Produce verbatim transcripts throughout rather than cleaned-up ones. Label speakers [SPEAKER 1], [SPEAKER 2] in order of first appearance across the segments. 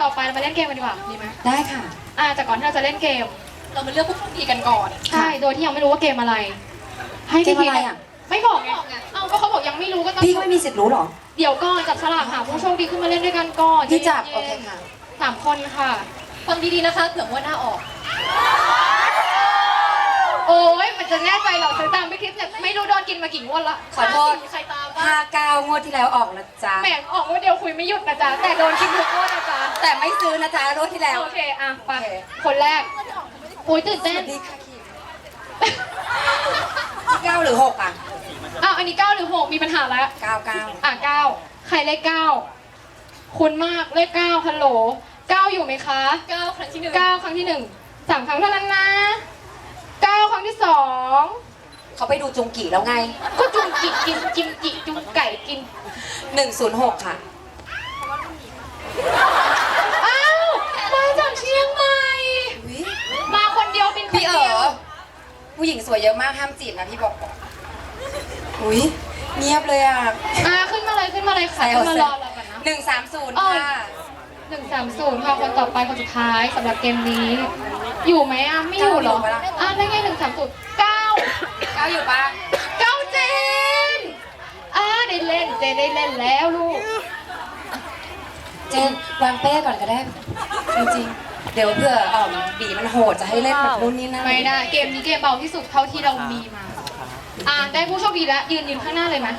[SPEAKER 1] ต่อไปเรามาเล่นเกมกันดีกว่าดีไหม
[SPEAKER 2] ได้ค่ะ
[SPEAKER 1] อ่าแต่ก่อนที่เราจะเล่นเกม เรามาเลือกผู้โชคดีกันก่อนใช่โดยที่ยังไม่รู้ว่าเกมอะไร ให้พี่พีชไม่บอกไงเอ้าก็เขาบอกยังไม่รู้ก็ต้อง
[SPEAKER 2] พี่ก็ไม่มีสิทธิ์รู้หรอ
[SPEAKER 1] เดี๋ยวก่อนจับฉลากหาผู้โชคดีขึ้นมาเล่นด้วยกันก่อน
[SPEAKER 2] พี่จับโอเคค่ะ
[SPEAKER 1] สามคนค่ะฟังดีๆนะคะเผื่อว่าหน้าออกโอ้ยมันจะแน่ใจเหรอซื้อตามไม่คิดเนี่ยไม่รู้โดนกินมากี่งวดละ
[SPEAKER 2] ขอโทษ
[SPEAKER 1] ใครตามบ้าง
[SPEAKER 2] ห้าเก้างวดที่แล้วออกนะจ๊ะ
[SPEAKER 1] แหมออกงวดเดียวคุยไม่หยุดนะจ๊ะแต่โดนกินทุกงวดนะจ๊ะ
[SPEAKER 2] แต่ไม่ซื้อนะจ๊ะงวดที่แล้ว
[SPEAKER 1] โอเคอ่ะไป
[SPEAKER 2] โอเค
[SPEAKER 1] คนแรกโอ้ยตื่น
[SPEAKER 2] ส
[SPEAKER 1] เต้น
[SPEAKER 2] วัสดีค่ะคิมที่เก้าหรือหกอ่ะ
[SPEAKER 1] อ้าวอันนี้เก้าหรือหกมีปัญหาแล้ว
[SPEAKER 2] เก้าเก้า
[SPEAKER 1] อ่ะเก้าใครเลขเก้าคุณมากเลขเก้าฮัลโหลเก้าอยู่ไหมคะเก้าครั้งที่หนึ่งเก้าครั้งที่หนึ่งสามครั้งเท่านั้นนะเก้าครั้งที่สอง
[SPEAKER 2] เขาไปดูจุงกี่แล้วไง
[SPEAKER 1] ก็จุงกิกินกิมจิจุงไก่กิน
[SPEAKER 2] หนึ่งศูนย์หกค่ะ
[SPEAKER 1] อ้าวมาจากเชียงใหม่
[SPEAKER 2] อุ๊ย
[SPEAKER 1] มาคนเดียวเป็นคน
[SPEAKER 2] พี่เอ๋
[SPEAKER 1] เดียว
[SPEAKER 2] อผู้หญิงสวยเยอะมากห้ามจีบนะพี่บอกก่อนอุ้ยเงียบเลยอ่ะ
[SPEAKER 1] อ่ะขึ้นมาเลยขึ้นมาเลยค่ะขึ้นมารอเรากันนะ
[SPEAKER 2] หนึ่งสามศูนย์
[SPEAKER 1] อ๋อ
[SPEAKER 2] ค่ะ
[SPEAKER 1] หนึ่งสามศูนย์ค่ะคนต่อไปคนสุดท้ายสำหรับเกมนี้ อยู่ไหมอ่ะไม่อยู่เหรออ่ะได้ไงหนึ่งสามศูนย์เก้า
[SPEAKER 2] เก้าอยู่ปะ
[SPEAKER 1] เก้าเจนอ่ะได้เล่นเจนได้เล่นแล้วลูก
[SPEAKER 2] เจนวางเป้ก่อนก็ได้จริงๆเดี๋ยวเผื่ออ่อมบีมันโหดจะให้เล่นแบบนู้นนี่นั่น
[SPEAKER 1] ไม่ได้เกมนี้เกมเบาที่สุดเท่าที่เรามีมา อ่ะได้ผู้โชคดีแล้วยืนยืนข้างหน้าเลยไหม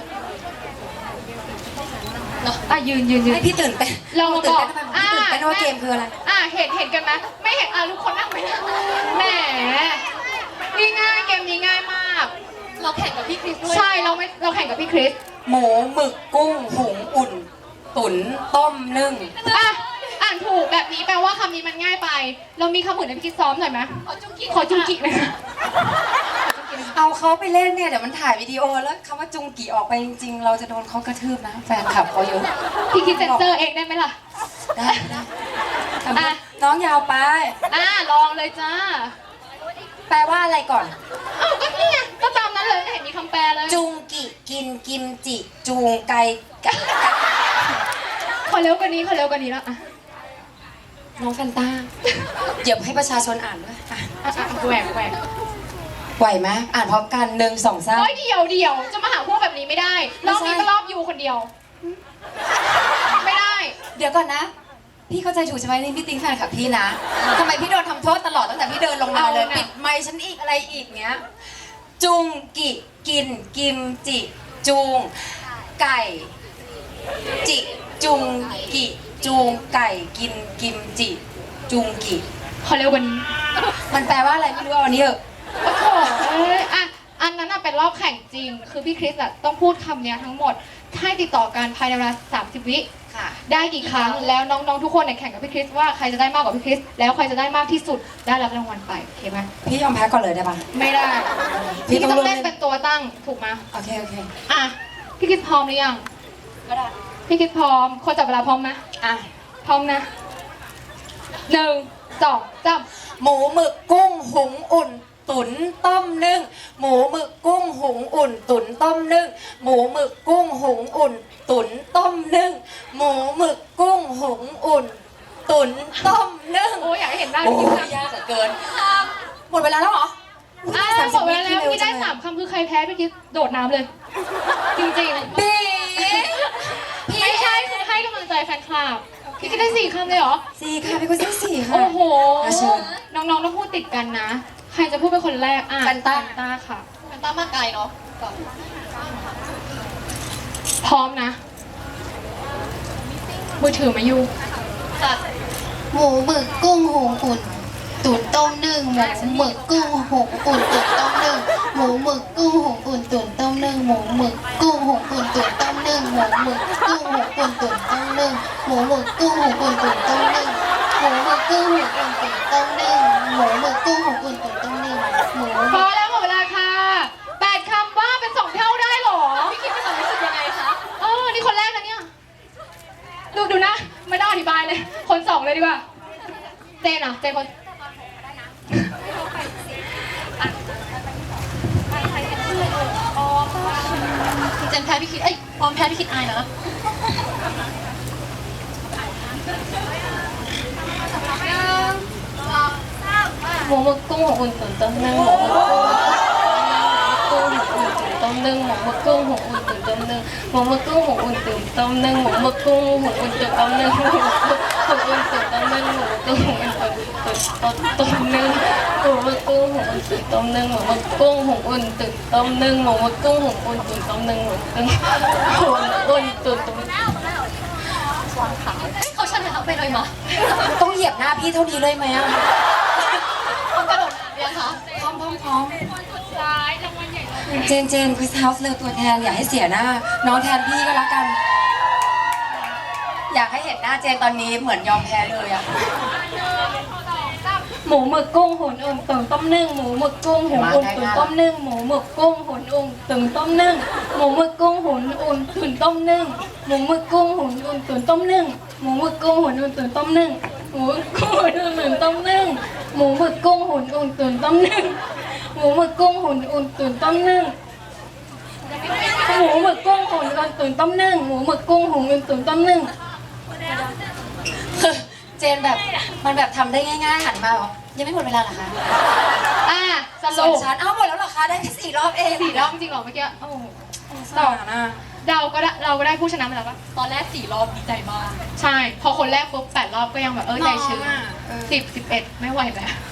[SPEAKER 1] เนอะอ่ะยืนยืนยืน
[SPEAKER 2] ให้พี่ตื่นเต้น
[SPEAKER 1] เรามา
[SPEAKER 2] ตื่น
[SPEAKER 1] บอก
[SPEAKER 2] เต้นทำไมพี่ตื่นเต้นว่าเกมคืออะไร
[SPEAKER 1] อ่ะเห็นเห็นกันไหมไม่เห็นอ่ะทุกคนนั่งไปนะแหมนี่ง่ายเกมนี้ง่ายมาก เราแข่งกับพี่คริสด้วยใช่เราไม่เราแข่งกับพี่คริส
[SPEAKER 2] หมูหมึกกุ้งหุงอุ่น ตุ๋นต้มนึ่ง
[SPEAKER 1] อ่ะอ่านถูกแบบนี้แปลว่าคำนี้มันง่ายไป เรามีคำอื่นให้พี่คริสซ้อมหน่อยไหมขอจุงกิขอจุงกิเลยนะ
[SPEAKER 2] เอาเขาไปเล่นเนี่ยเดี๋ยวมันถ่ายวิดีโอแล้วคำว่าจุงกี่ออกไปจริงๆ เราจะโดนเขากระทืบนะ แฟนคลับเขาเยอะ
[SPEAKER 1] พี่คริสเซนเซอร์เองได้ไหมล่ะ
[SPEAKER 2] ได้ได้ทำให้น้องยาวไป
[SPEAKER 1] อ่ะลองเลยจ้า
[SPEAKER 2] แปลว่าอะไรก่อน
[SPEAKER 1] อ้าวก็นี่ไงก็ตามนั้นเลยไม่เห็นมีคำแปลเลย
[SPEAKER 2] จุงกิกินกิมจิ จูงไก่ไก่
[SPEAKER 1] ขอเร็วกว่านี้ขอเร็วกว่านี้แล้วอ่ะ
[SPEAKER 2] น้องแฟนต้าเดี๋ยวให้ประชาชนอ่านด้วยอ่ะ
[SPEAKER 1] อ่ะอ่ะแหวกแหวก
[SPEAKER 2] ไหวไหมอ่านพร้อมกันหนึ่งสองสาม
[SPEAKER 1] โอ้ยเดียวเดียวจะมาหาพวกแบบนี้ไม่ได้รอบนี้ก็รอบยูคนเดียว ไม่ได้
[SPEAKER 2] เดี๋ยวก่อนนะ พี่เข้าใจถูกใช่ไหมนี่พี่ติ๊งแฟนคลับพี่นะทำไมพี่โดนทำโทษตลอดตั้งแต่พี่เดินลงมาเลย
[SPEAKER 1] เอาน่ะ
[SPEAKER 2] ปิดไมค์ฉันอีกอะไรอีกเนี้ย จุงกิกินกิมจิ จูง ไก่ จิจุงกิจูงไก่กินกิมจิ จุงกิ
[SPEAKER 1] ขอเร็วกว่านี้
[SPEAKER 2] มันแปลว่าอะไรไม่รู้เอาอันนี้เถอะ
[SPEAKER 1] โอ้โหเอ้ยอ่ะอันนั้นน่ะเป็นรอบแข่งจริง คือพี่คริสอะต้องพูดคำเนี้ยทั้งหมดให้ติดต่อกันภายในเวลาสามสิบวิ
[SPEAKER 2] ค่ะ
[SPEAKER 1] ได้กี่ครั้งแล้วน้องๆทุกคนเนี่ยแข่งกับพี่คริสว่าใครจะได้มากกว่าพี่คริสแล้วใครจะได้มากที่สุดได้รับรางวัลไปโอเคไหม
[SPEAKER 2] พี่ยอมแพ้ก่อนเลยได้ปะ
[SPEAKER 1] ไม่ได้
[SPEAKER 2] พี่
[SPEAKER 1] พี่
[SPEAKER 2] ต้
[SPEAKER 1] ต้
[SPEAKER 2] อ
[SPEAKER 1] อง ง
[SPEAKER 2] เล่
[SPEAKER 1] เล่
[SPEAKER 2] น
[SPEAKER 1] นเป็นตัวตั้งถูกไหม
[SPEAKER 2] โอเคโอเค
[SPEAKER 1] อ่ะพี่คริสพร้อมหรือยัง
[SPEAKER 2] ก็ได้
[SPEAKER 1] พี่คริสพร้อมคนจับเวลาพร้อมไหม
[SPEAKER 2] อ่ะ
[SPEAKER 1] พร้อมนะหนึ่งสองสาม
[SPEAKER 2] หมูหมึกกุ้งหุงอุ่น ตุ๋นต้มนึ่งหมูหมึกกุ้งหุงอุ่น ตุ๋นต้มนึ่งหมูหมึกกุ้งหุงอุ่น ตุ๋นต้มนึ่งหมูหมึกกุ้งหุงอุ่น ตุ๋นต้มนึ่ง
[SPEAKER 1] โอ้ยอยากให้เห็นหน้า
[SPEAKER 2] โอ้
[SPEAKER 1] พี่คริ
[SPEAKER 2] ย
[SPEAKER 1] ส
[SPEAKER 2] ยากเหลือเกินหมดเวลาแล้วเหรอ
[SPEAKER 1] อ่ะหมดเวลาแล้วพี่ได้สามคำคือใครแพ้พี่คริสโดดน้ำเลย จริงๆ
[SPEAKER 2] ปี
[SPEAKER 1] ไม่ใช่คือให้กำลังใจแฟนคลับพี่ก็ได้สี่คำเลยเหรอ
[SPEAKER 2] สี่ค่ะพี่กุซี่สี่ค่ะ
[SPEAKER 1] โอ้โห
[SPEAKER 2] อ่ะเชิญ
[SPEAKER 1] น้องๆต้องพูดติดกันนะ ใครจะพูดเป็นคนแรกอ่ะ
[SPEAKER 2] แฟนต้า
[SPEAKER 1] แฟนต้าค่ะแฟนต้ามาไกลเนาะพร้อมนะ มือถือมาอยู่ค่ะ
[SPEAKER 3] หมูหมึกกุ้งหุงอุ่น ตุ๋นต้มนึ่งหมูหมึกกุ้งหุงอุ่นตุ๋นต้มนึ่งหมูหมึกกุ้งหุงอุ่นตุ๋นต้มนึ่งหมูหมึกกุ้งหุงอุ่นตุ๋นต้มนึ่งหมูหมึกกุ้งหุงอุ่นตุ๋นต้มนึ่งหมูหมึกกุ้งหุงอุ่นตุ๋นต้มนึ่งหมูหมึกกุ้งหุงอุ่นตุ๋นต้มนึ่งหมูหมึกกุ้งหุงอุ่นตุ๋นต้มนึ่งหมูห
[SPEAKER 1] พ
[SPEAKER 3] มึ
[SPEAKER 1] อก แล้วหมดเวลาค่ะแปดคำว่าเป็นสองเท่าได้เหรอ
[SPEAKER 3] พี่คิดว่าความรู้สึกยังไงคะ
[SPEAKER 1] เออนี่คนแรกนะเนี่ย ดูดูนะ ไม่ต้องอธิบายเลย คนสองเลยดีกว่า เจนอ่ะ เจนคน
[SPEAKER 3] เจนแพ้พี่คิดเอ้ยพร้อมแพ้พี่คิดอายนะหมูหมึกกุ้งหงอุ่นตุ๋นต้มนึ่งหมูหมึกกุ้งหงอุ่นตุ๋นต้มนึ่งหมูหมึกกุ้งหงอุ่นตุ๋นต้มนึ่งหมูหมึกกุ้งหงอุ่นตุ๋นต้มนึ่งหมูหมึกกุ้งหงอุ่นตุ๋นต้มนึ่งหมูหมึกกุ้งหงอุ่นตุ๋นต้มนึ่งหมูหมึกกุ้งหงอุ่นตุ๋นต้มนึ่งหมูหมึกกุ้งหงอุ่นตุ๋นต้มนึ่งหมูหมึกกุ้งหงอุ่นตุ๋นต้มนึ่งหมูหมึกกุ้งหงอุ่นตุ๋นต้มนึ่งหมูหมึกกุ้งหงอุ่นตุ๋นต้มนึ่งเขาชนะไปเลยมั้ย
[SPEAKER 2] ต้องเหยียบหน้าพี่เท่านี้เลยไหมอะ
[SPEAKER 3] เขากระโดดยังคะ
[SPEAKER 2] พร้อมพร้อมพร้อมเจนเจนคริสเฮาส์เลือกตัวแทนอย่าให้เสียหน้า น้องแทนพี่ก็แล้วกัน อยากให้เห็นหน้าเจนตอนนี้เหมือนยอมแพ้เลยอะ
[SPEAKER 3] หมูหมึกกุ้งหุ่นอุ่นตุ๋นต้มนึ่งหมูหมึกกุ้งหุ่นอุ่นตุ๋นต้มนึ่งหมูหมึกกุ้งหุ่นอุ่นตุ๋นต้มนึ่งหมูหมึกกุ้งหุ่นอุ่นตุ๋นต้มนึ่งหมูหมึกกุ้งหุ่นอุ่นตุ๋นต้มนึ่งหมูหมึกกุ้งหุ่นอุ่นตุ๋นต้มนึ่งหมูกุ้งหุ่นอุ่นตุ๋นต้มนึ่งหมูหมึกกุ้งหุ่นอุ่นตุ๋นต้มนึ่งหมูหมึกกุ้งหุ่นอุ่นตุ๋นต้มนึ่งหมูหมึกกุ้งหุ่นอุ่นตุ๋นต้มนึ่งหมูหมึกกุ้งหุ่นอุ่นตุ๋นต้มนึ่ง
[SPEAKER 2] คือเจนแบบมันแบบทำได้ง่ายๆหันมาบอกยังไม่หมดเวลาเหรอคะ
[SPEAKER 1] อ่ะส
[SPEAKER 2] ส่ว
[SPEAKER 1] รุ
[SPEAKER 2] น
[SPEAKER 1] ป
[SPEAKER 2] ฉันเอ้าหมดแล้วเหรอคะได้แค่สี่รอบเอง
[SPEAKER 1] สี่รอบจริงเหรอเมื่อกี้โอ้โห
[SPEAKER 2] ต่อนะ
[SPEAKER 1] เราก็ได้เราก็ได้ผู้ชนะมาแล้วปะ
[SPEAKER 3] ตอนแรกสี่รอบดีใจมาก
[SPEAKER 1] ใช่ พอคนแรกปุ๊บแปดรอบก็ยังแบบเออใจชื้น
[SPEAKER 2] น้องอะเออ
[SPEAKER 1] สิบสิบเอ็ดไม่ไหวแล้ว